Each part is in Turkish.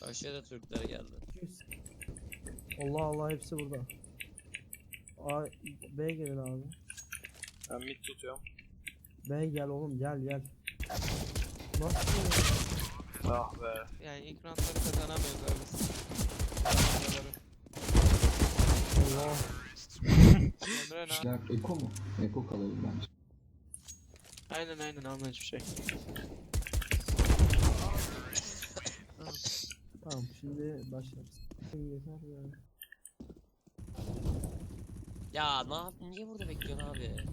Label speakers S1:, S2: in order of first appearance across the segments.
S1: Aşağıda Türkler geldi.
S2: Allah Allah hepsi burada. A, B gelin abi.
S3: Ben mid tutuyorum.
S2: B gel oğlum gel. Nasıl ya?
S3: Ah be.
S4: Yani ilk roundları kazanamıyoruz abi biz.
S2: Allah.
S4: Emre ne?
S5: İşler Eko mu? Eko kalalım bence.
S4: Aynen alma hiçbir şey.
S2: Tamam şimdi başlarız. Yeter ya.
S1: Ya ne yap? Niye burada bekliyorsun abi? Ya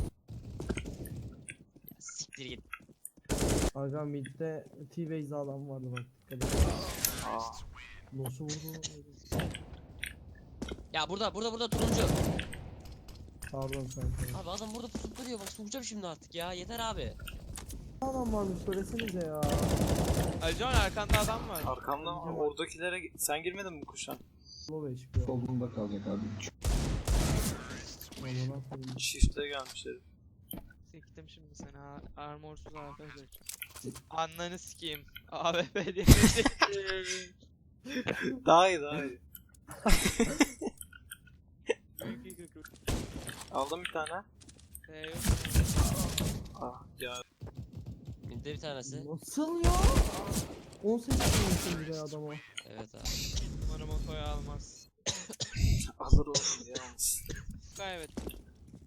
S1: siktir git.
S2: Aga midde T-Base adam vardı bak dikkat et.
S3: Aa.
S2: Nasıl vurdu?
S1: Ya burada turuncu.
S2: Pardon kanka.
S1: Abi adam burada pusup duruyor, bak soğuyacağım şimdi artık ya, yeter abi.
S2: Adam varmış söylesenize ya.
S4: Alican arkanda adam var.
S3: Arkamda oradakilere sen girmedin mi kuşan?
S2: Low HP.
S5: Solunda kalacak abi.
S2: Amına koyayım.
S3: Shift'e gelmiş herif.
S4: Siktim şimdi seni armorsuz AFP diyeceğim. Ananı sikeyim. AWP diye.
S3: Daha iyi. Aldım bir tane.
S4: Yok.
S3: Ah ya.
S1: Minde bir tanesi.
S2: Nasıl ya? 18 vurmuşsun bir de adama.
S1: Evet abi.
S4: Umarım otoyu almaz.
S3: Alır oğlum yalnız.
S4: Kaybettim.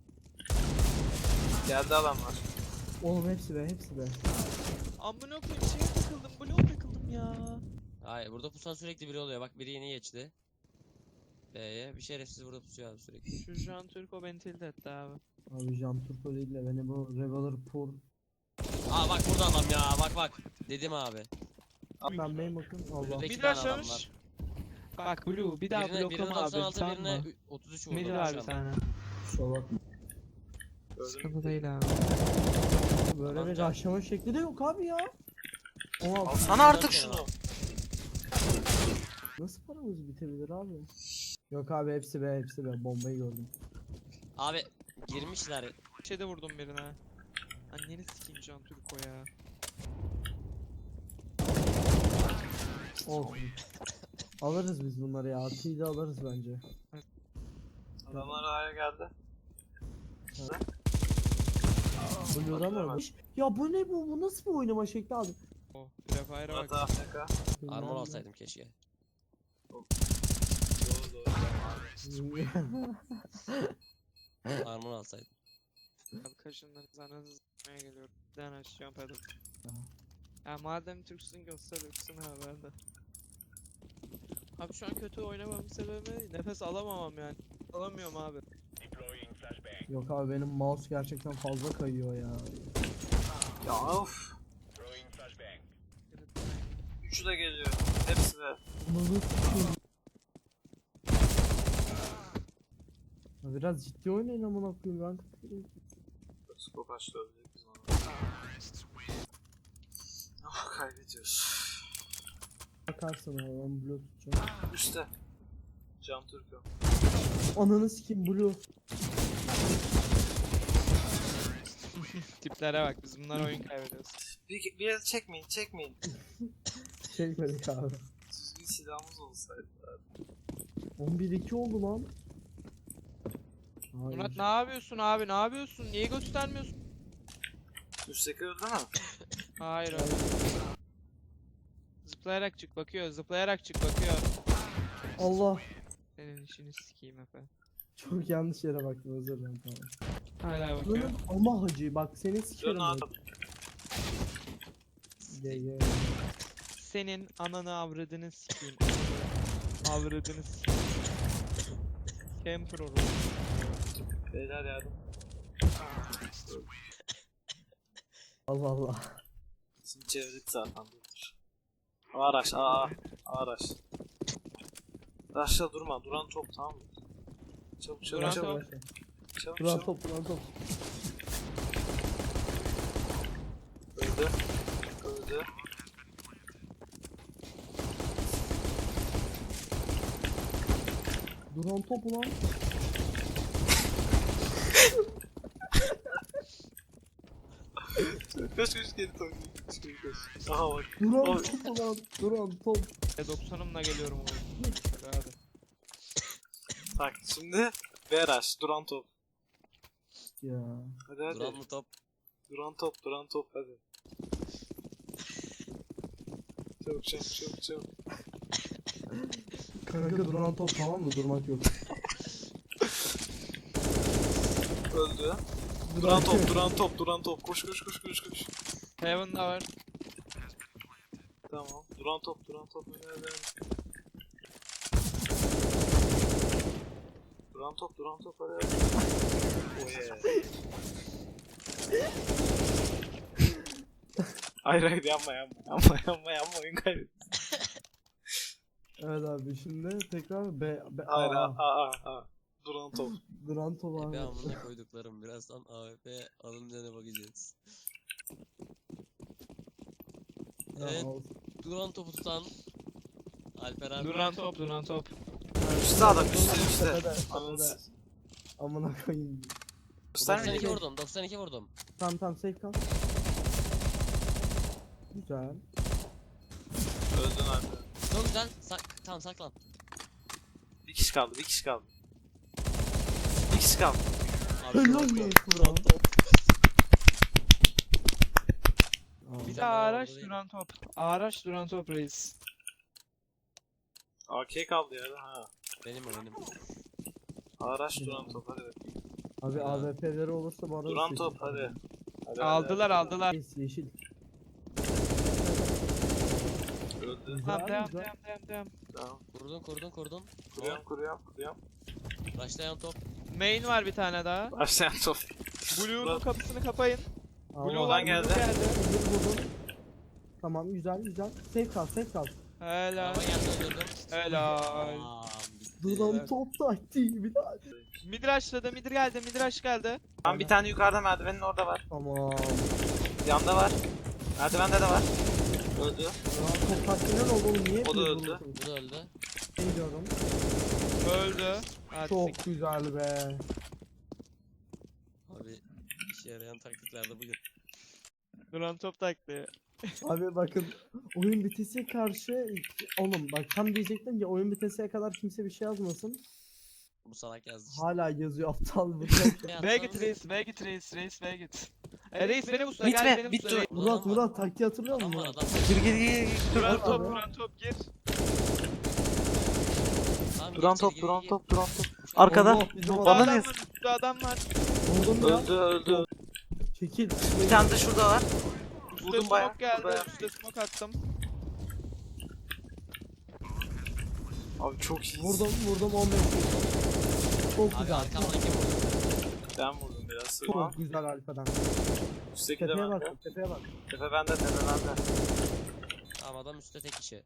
S3: Geldi adamlar.
S2: Oğlum hepsi be.
S4: Amına koyayım şeye takıldım. Bloğa takıldım ya.
S1: Hayır, burada pusan sürekli biri oluyor, bak biri yeni geçti. B'ye bir şerefsiz burada pusuyor abi sürekli.
S4: Şu Jean Turco beni tilt etti abi.
S2: Abi Jean Turco değil de beni bu Reveler Pur.
S1: Aa bak burada adam ya, bak. Dedim abi.
S2: Ben benim bakın Allah.
S1: Önündeki
S4: Bir
S1: tane
S4: daha
S1: adam
S4: çalış.
S1: var.
S4: Bak Blue bir daha
S1: Birine
S4: bloklama abi
S1: 96,
S4: tamam
S1: birine
S4: mı?
S1: 33 vurdu.
S4: Mid
S1: şu
S4: var bir
S1: anda.
S4: tane.
S5: Kusura bakma.
S3: Gördün mü?
S4: Sıkıntı değil abi.
S2: Böyle bir aşama şekli de yok abi ya. Oha,
S3: Alsana artık şunu.
S2: nasıl paramız bitebilir abi? Yok abi hepsi be. Bombayı gördüm.
S1: Abi girmişler.
S4: Şeyde vurdum birine. Anneni sikeyim Jean Turco ya.
S2: Olsun. Alırız biz bunları ya. T'yi de alırız bence.
S3: Adamlar A'ya geldi.
S2: Blue'dan mı olmuş? Ya bu ne bu? Bu nasıl bir oynama şekli abi?
S4: Oh, Prefire'a
S3: Murat
S4: bak.
S3: AFK.
S1: Armor alsaydım keşke.
S3: Doğru.
S1: Armor alsaydım.
S4: Abi kaşınlarınızı ananızı s**maya geliyorum. Bir tane açacağım pedal. Ya madem Türksün göster Türksün abi ben de. Abi şu an kötü oynamamın sebebi nefes alamamam yani. Alamıyorum abi.
S2: Yok abi benim mouse gerçekten fazla kayıyor ya.
S3: Ya of. Üçü de geliyor. Hepsi de.
S2: Bunu sikeyim. Ya biraz ciddi oynayın amına koyayım ben.
S3: Skop açtı öldük biz onu. Ah kaybediyoruz.
S2: Bakarsın abi ben blue tutacağım.
S3: Üste. Can Turco.
S2: Ananı sikeyim blue.
S4: Tiplere bak biz bunlar oyun kaybediyoruz.
S3: Bir yere çekmeyin.
S2: Çekmedik abi.
S3: Düzgün silahımız olsaydı abi.
S2: 11-2 oldu lan. Hayır.
S4: Murat ne yapıyorsun abi ne yapıyorsun? Niye göstermiyorsun?
S3: Üstteki öldü mü?
S4: Hayır abi. Zıplayarak çık bakıyor
S2: Allah.
S4: Senin işini sikeyim efendim.
S2: Çok yanlış yere baktım özür dilerim tamam.
S4: Hala bakıyor.
S2: Bunun ama hacı bak seni
S3: Dön
S2: sikerim.
S3: abi.
S2: Ye.
S4: Senin ananı avradını sikeyim. Avradını sikeyim. Camper olur.
S3: Beyler yardım.
S2: Allah Allah.
S3: Şimdi çevirdik zaten. Araç. Araç. Raşla durma. Duran top tamam mı? Çabuk.
S4: Duran top.
S2: Duran top.
S3: Öldü.
S2: Duran top ulan.
S3: Şaka koş geri top. Koş. Aha bak.
S2: Duran
S3: Oy.
S2: top lan. Duran top.
S4: 90'ımla geliyorum oğlum. Hadi.
S3: Bak şimdi Beraş duran top.
S2: Ya.
S3: Hadi hadi.
S1: Duran mı top?
S3: Duran top hadi. Çabuk.
S2: Kanka duran top tamam mı? Durmak yok.
S3: Öldü. Duran top. Koş.
S4: Heaven'da var.
S3: Tamam. Duran top. Hadi. Duran top hadi. Oh yeah. Hayır yapma oyun kaybettim.
S2: Evet abi şimdi tekrar
S3: Hayır
S2: Aa,
S3: Duran top.
S2: duran top abi.
S1: Ebe amına koyduklarım. Birazdan AWP alınca ne bakacağız.
S2: Ya,
S1: Evet.
S2: olsun.
S1: Duran topu tutan Alper abi.
S4: Duran top.
S3: Üstte adam üstte.
S2: Tepede,
S3: Ananı
S2: tepede. Amına koyayım.
S3: göstermeyin.
S1: 92 vurdum. 92 vurdum.
S2: Tamam safe kal. Güzel.
S3: Öldün abi.
S1: Çok güzel. Tamam saklan.
S3: Bir kişi kaldı.
S1: Abi,
S2: Helal
S1: Duran
S2: olsun
S1: top.
S2: Duran top. Aa,
S4: Bir de
S1: tane daha
S4: araç
S1: oldu değil mi?
S4: duran top. Araç duran top reis.
S3: AK kaldı ya. Ha.
S1: Benim.
S3: Araç duran top hadi bakayım.
S2: Abi
S1: Ya.
S2: AWP'leri olursa bu arada
S3: Duran
S2: seçim.
S3: top hadi. Hadi.
S4: Aldılar.
S2: Yeşil.
S3: Öldü.
S2: Güzel,
S4: Tamam devam.
S2: güzel.
S3: Tamam.
S1: Kurdun.
S3: Kuruyorum.
S1: Başlayan top.
S4: Main var bir tane daha.
S3: Başlayan top.
S4: Blue'nun kapısını kapayın.
S2: Ama-
S4: Blue var,
S3: geldi.
S4: Blue geldi.
S2: Vurdum. Tamam güzel. Safe kal.
S4: Helal.
S1: Araba geldi öldürdüm.
S4: Helal.
S1: Tamam, bitti.
S2: Duran top taktiği bir daha.
S4: Mid rush'ladı, mid geldi.
S3: Tam bir tane yukarıda merdivenin orada var.
S2: Tamam.
S3: Yanda var. Merdivende de var. Öldü.
S2: Duran top taktiği ne oldu oğlum? Niye
S3: O da
S2: hepiniz
S3: öldü.
S2: vurdunuz?
S1: Bu da öldü.
S2: Gidiyorum.
S4: Öldü. Hadi
S2: Çok güzel be.
S1: Abi işe yarayan taktiklerde bugün.
S4: Duran top taktiği.
S2: Abi bakın oyun bitesiye karşı oğlum bak tam diyecektim ki oyun bitesiye kadar kimse bir şey yazmasın.
S1: Bu salak yazdı işte.
S2: Hala yazıyor aptal bu.
S4: B'ye git reis, B'ye git. Reis beni busla,
S3: Bitme,
S4: gel beni
S3: bitti.
S4: busla.
S2: Murat taktiği hatırlıyor
S1: Adam
S2: musun
S1: var
S2: Murat?
S1: adam.
S3: Gir.
S4: Duran
S2: Abi.
S4: top gir.
S1: Tamam,
S3: Duran
S1: gir içeri,
S3: top.
S1: gir.
S3: Arkada.
S2: Allah, bizim
S3: Bana
S2: adam-
S3: ne?
S4: Üstte adam var.
S2: Vurdum ya.
S3: Öldü.
S2: Çekil.
S3: Bir tane de şurada var.
S4: Üstte
S3: Vurdum bayağı.
S4: smoke geldi.
S3: bayağı.
S4: Üstte smoke attım.
S3: Abi çok iyi.
S2: Vurdum 15 vurdum. Çok
S1: Abi
S2: güzel.
S1: arkamdan kim vurdu?
S3: Ben vurdum biraz.
S2: Çok güzel Alpa'dan.
S3: Üstteki de
S2: Tepeye
S3: bende.
S2: bak, tepeye bak.
S3: Tepe bende.
S1: Tamam adam üstte tek kişi.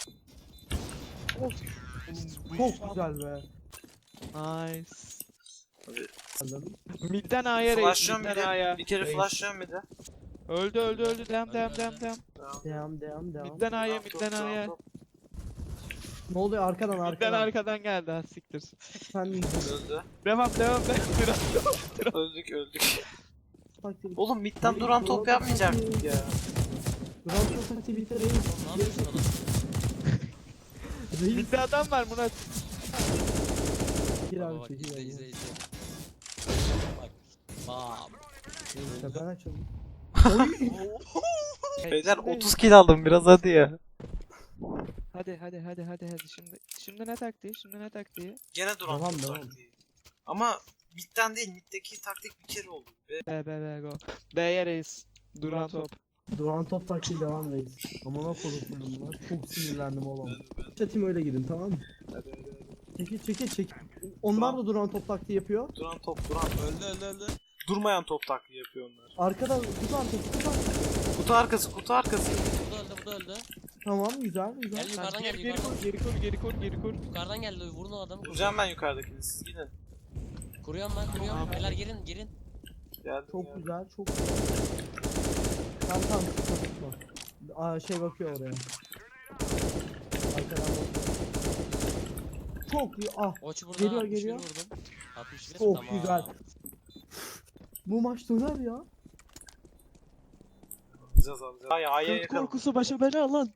S2: Çok güzel be.
S4: Nice.
S3: Abi,
S2: Anladın?
S4: Midden A'ya reis,
S3: flashlıyorum bir
S4: midden
S3: de.
S4: A'ya.
S3: Bir kere
S2: Reis.
S3: flashlıyorum bir de.
S4: Öldü. Devam.
S3: Tamam.
S2: Devam.
S4: Midden A'ya,
S3: Top,
S4: midden A'ya.
S3: top.
S2: Ne oluyor arkadan
S4: Midden
S2: arkadan.
S4: arkadan geldi ha siktir.
S2: Sen
S3: Öldü.
S4: Devam.
S3: Öldük.
S2: taktiği.
S3: Oğlum midden duran top yapmayacaktık ya.
S2: Duran top taktiği bitti reis.
S1: Ne yapıyorsun adam?
S2: Reis.
S4: Midde adam var Murat.
S2: Gir
S1: Baba
S2: abi
S1: bak
S2: çekil.
S1: izle. Bak. Bam.
S2: Tepen açıldı.
S3: Beyler 30 kill aldım biraz hadi ya.
S4: Hadi. Şimdi ne taktiği?
S3: Gene duran
S2: Devam,
S3: top
S2: devam.
S3: taktiği. Ama midden değil middeki taktik bir kere oldu.
S4: B go. B'ye reis. Duran top.
S2: Duran top taktiği devam reis. Aman o konuşmadım bunlar. Çok sinirlendim oğlum. Çetim öyle gidin tamam mı?
S3: Hadi.
S2: Çekil. Onlar da duran top taktiği yapıyor.
S3: Duran top.
S1: Öldü.
S3: Durmayan top taktiği yapıyor onlar.
S2: Arkadan kutu arkası.
S3: Kutu arkası.
S1: Bu da öldü.
S2: Tamam güzel.
S1: Gel yukarıdan gel
S4: Geri
S1: yukarıdan.
S4: kur.
S1: Yukarıdan geldi vurun o adamı.
S3: Vuracağım ben yukarıdakini siz gidin.
S1: Kuruyorum. Beyler girin.
S3: Geldim.
S2: Çok güzel. Tamam. Tutma. Şey bakıyor oraya. Arkadan bakıyor. Çok iyi.
S1: Oç burada.
S2: Geliyor,
S1: 61
S2: geliyor.
S1: vurdum. 61
S2: Çok
S1: tamam.
S2: güzel. Bu maç döner ya.
S3: Alacağız. Ay A'ya
S4: Göt
S3: yakalım.
S4: korkusu başa bela lan.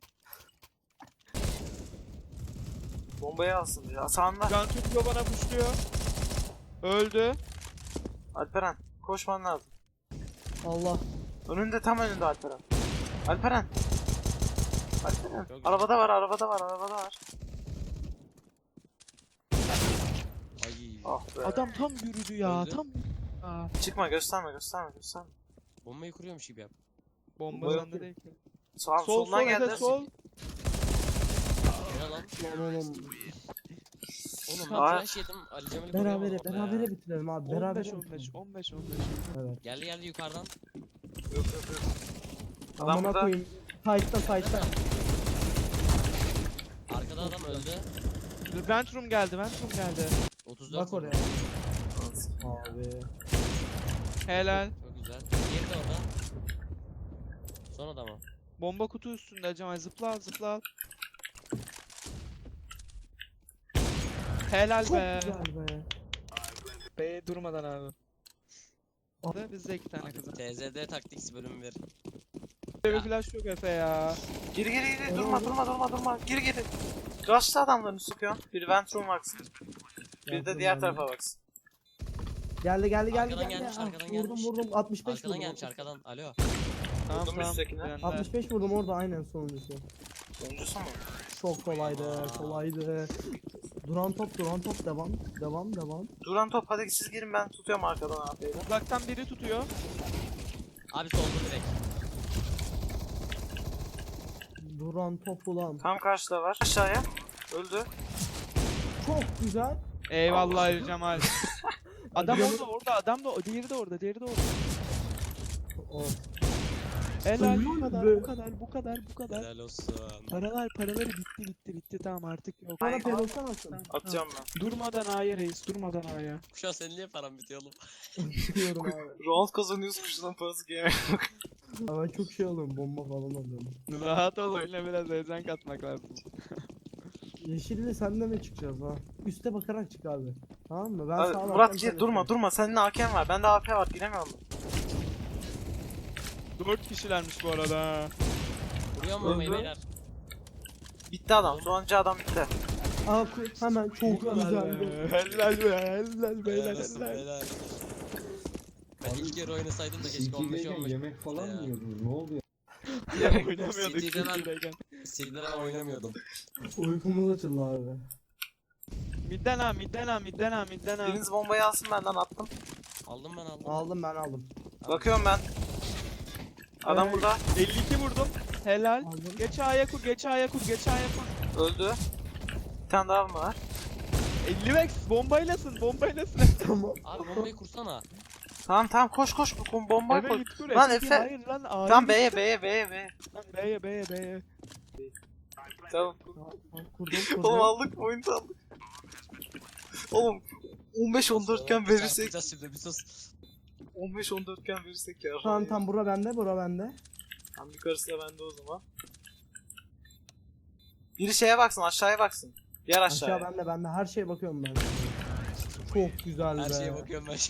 S3: Bombayı alsın ya. Sağında.
S4: Can tutuyor bana puşluyor. Öldü.
S3: Alperen. Koşman lazım.
S2: Allah.
S3: Önünde, tam önünde Alperen. Alperen. Alperen.
S1: Çok
S3: Arabada var.
S1: Ay.
S3: Ah be.
S4: Adam tam yürüdü ya.
S1: Öldü.
S4: Tam Aa,
S3: Çıkma, gösterme.
S1: Bombayı kuruyormuş gibi yap.
S4: bomba
S3: Bomba
S4: sende değil ki.
S3: Sol,
S4: Sol
S3: soldan
S4: sol
S3: geldi.
S4: Efe sol.
S1: Ne lan?
S2: Lan oğlum.
S1: Oğlum ben
S3: Aa.
S1: flash yedim. Ali Cemal'i
S2: Berabere
S1: koruyamadım be.
S2: bitirelim abi.
S4: 15
S2: Berabere
S4: 15 15 15.
S2: Evet.
S1: Geldi yukarıdan.
S3: Yok. Adam
S2: Amına
S3: burada.
S2: koyayım. Sight'ta.
S1: Arkada adam öldü.
S4: Ventrum geldi.
S1: 34
S2: Bak oraya.
S1: vurdum.
S2: Abi.
S4: Helal.
S1: Çok güzel. Diğeri de orada. Son adamı.
S4: Bomba kutu üstünde Cemal, zıpla al. Helal
S2: Çok
S4: be.
S2: güzel be.
S4: Be durmadan abi.
S2: Abi.
S4: Bizde 2 tane kız.
S1: TZD Tactics bölüm 1.
S4: Bir flash yok Efe ya.
S3: Geri. Durma. Geri. Rush'ta adamlarını sıkıyor. Biri Ventrum baksın. Bir de
S2: Yaptım
S3: diğer
S2: ben
S3: tarafa baksın.
S2: Geldi.
S1: Arkadan gelmiş,
S2: Ah,
S1: arkadan
S2: vurdum
S1: gelmiş.
S2: vurdum 65
S1: Arkadan
S2: vurdum.
S1: gelmiş arkadan. Alo.
S4: Tamam
S3: Vurdum üsttekine.
S4: bende.
S2: 65 vurdum orada aynen sonuncusu.
S3: Sonuncusu mu?
S2: Çok kolaydı. Duran top devam.
S3: Duran top, hadi siz girin, ben tutuyorum arkadan AP'yle.
S4: Uzaktan biri tutuyor.
S1: Abi soldu direkt.
S2: Duran top ulan.
S3: Tam karşıda var. Aşağıya. Öldü.
S2: Çok güzel.
S4: Eyvallah Ali Cemal. Adam
S2: Adamı-
S4: orada, adam da o, diğeri de orada.
S2: O.
S4: Helal,
S2: Ölüyor
S4: bu kadar.
S1: Helal olsun.
S4: Paraları bitti tamam artık yok.
S2: Bana
S3: Ay,
S2: pelotsan atsın.
S4: Tamam,
S3: Atacağım ben.
S4: Durmadan A'ya reis, durmadan A'ya.
S1: Kuşa senin niye paran bitiyor oğlum?
S2: Biliyorum abi.
S3: Round kazanıyoruz, kuşların parası gelmiyor.
S2: Ama ben çok şey alıyorum bomba falan alıyorum.
S4: Rahat ol, oyuna biraz heyecan katmak lazım.
S2: Yeşille senle mi çıkacağız ha? Üste bakarak çık abi. Tamam mı? Ben
S3: Hadi,
S2: sağa
S3: Murat
S2: bakacağım,
S3: gir,
S2: sen
S3: durma.
S2: üstte.
S3: Senin AK'n var. Bende AP var. Giremiyorum.
S4: 4 kişilermiş bu arada ha.
S1: Vuruyor mu bombayı
S3: Öldü.
S1: beyler?
S3: Bitti adam. Sonuncu adam bitti.
S2: Aa hemen çok güzeldi.
S4: Helal be,
S1: Helal
S4: beyler
S1: olsun
S4: helal.
S1: beyler. Ben ilk kere oynasaydım da keşke
S5: CT'deyken
S1: 15-15.
S5: yemek falan
S1: Ya.
S5: mı yiyordunuz? Ne oluyor?
S4: Oynamıyorduk
S1: CT'de ben-
S4: CT'deyken.
S1: Sildir'e ben oynamıyordum.
S2: Uykumuz açıldı abi.
S4: Midden ha.
S3: Biriniz bombayı alsın, benden attım.
S1: Aldım ben aldım.
S2: Aldım ben aldım.
S3: Bakıyorum ben. Adam
S2: Evet.
S3: burada.
S4: 52 vurdum. Helal.
S2: Aldım.
S4: Geç A'ya kur.
S3: Öldü. Bir tane daha mı var?
S4: 50 vex bombaylasın.
S2: Tamam.
S1: Abi bombayı kursana.
S3: Tamam koş. Bomba
S4: Eve
S3: koy.
S4: git kur.
S3: Lan
S4: Efe,
S3: Efe.
S4: hayır lan A'ya
S3: Tamam
S4: git.
S3: B'ye.
S4: Lan B'ye.
S3: Tamam.
S2: Kurdum.
S3: Oğlum aldık, oyunu da aldık. Oğlum 15-14 iken verirsek,
S1: Çarpacağız şimdi bir sus.
S3: 15-14 iken verirsek ya.
S2: Tamam bura bende.
S3: Tam yukarısı da bende o zaman. Biri şeye baksın, aşağıya baksın. Diğer aşağıya.
S2: Aşağı bende her şeye bakıyorum ben. Çok güzel
S1: Her
S2: be.
S1: şeye bakıyorum ben.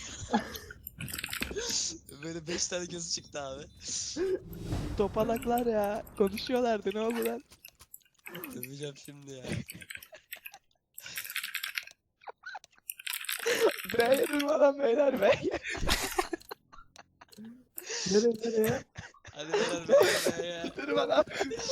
S1: Böyle 5 tane gözü çıktı abi.
S4: Topalaklar ya. Konuşuyorlardı, ne oldu lan?
S1: Döveceğim şimdi ya.
S4: B'ye durmadan beyler B'ye.
S2: Nereye?
S1: Hadi beyler ya.
S4: Durmadan.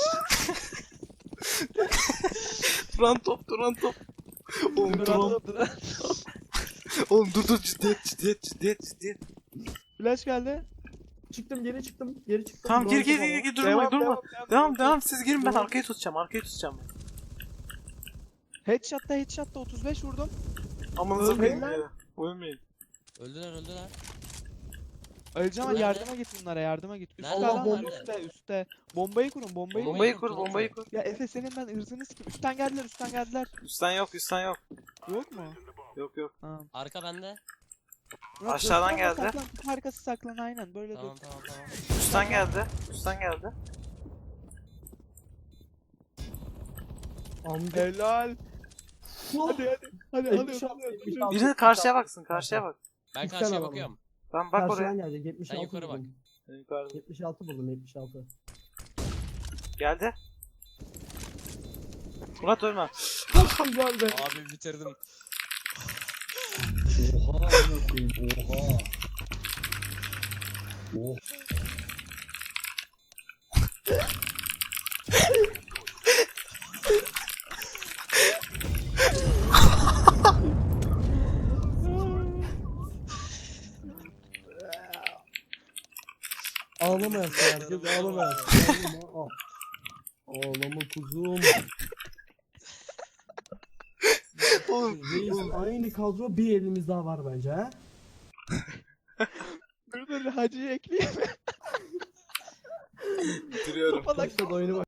S3: Duran top. Oğlum
S4: Durmadan.
S3: Oğlum dur, ciddiyet.
S4: Flash geldi.
S2: Geri çıktım.
S3: Tamam
S2: Duran
S3: gir,
S2: topa bak.
S3: durma. Devam, siz girin, ben arkayı tutacağım ben.
S4: Headshot'ta 35 vurdum.
S3: Amanıza
S2: Ölmeyin
S3: koyayım
S2: lan.
S3: ya. Ölmeyin.
S1: Öldüler.
S4: Öleceğim ama
S1: Nerede?
S4: yardıma git bunlara, yardıma git. Üstte
S1: Nerede?
S4: adam var,
S1: Nerede?
S4: üstte. Bombayı kurun, bombayı kurun.
S3: Bombayı kur.
S4: Ya Efe senin ben ırzını sikim. Üstten geldiler.
S3: Üstten yok.
S4: Yok mu?
S3: Yok.
S4: Tamam.
S1: Arka bende.
S4: Murat,
S3: Aşağıdan
S4: üstten
S3: geldi.
S4: Saklan, kutu arkası saklan aynen böyle
S1: Tamam
S4: dur.
S1: tamam.
S3: Üstten geldi.
S2: Amca.
S4: Helal. Hadi
S2: Elli
S4: alıyoruz.
S3: Birinin karşıya baksın, bak.
S1: Ben
S2: İki
S1: karşıya
S2: tane
S1: bakıyorum.
S3: Ben bak oraya.
S2: Karşıdan gelecek 76
S1: yukarı bak.
S2: buldum.
S3: Yukarıda.
S2: 76 buldum 76.
S3: Geldi. Murat ölme.
S2: Var be.
S1: Abi bitirdim.
S5: Oha amına koyayım. Oha. Oh.
S2: Ağlamayasın herkes ağlamayasın. Ağlama. Ağlama kuzum. Reis aynı kadro bir elimiz daha var bence ha.
S4: Dur Hacı'yı ekleyeyim.
S3: Duruyorum.
S2: Başladı oyunu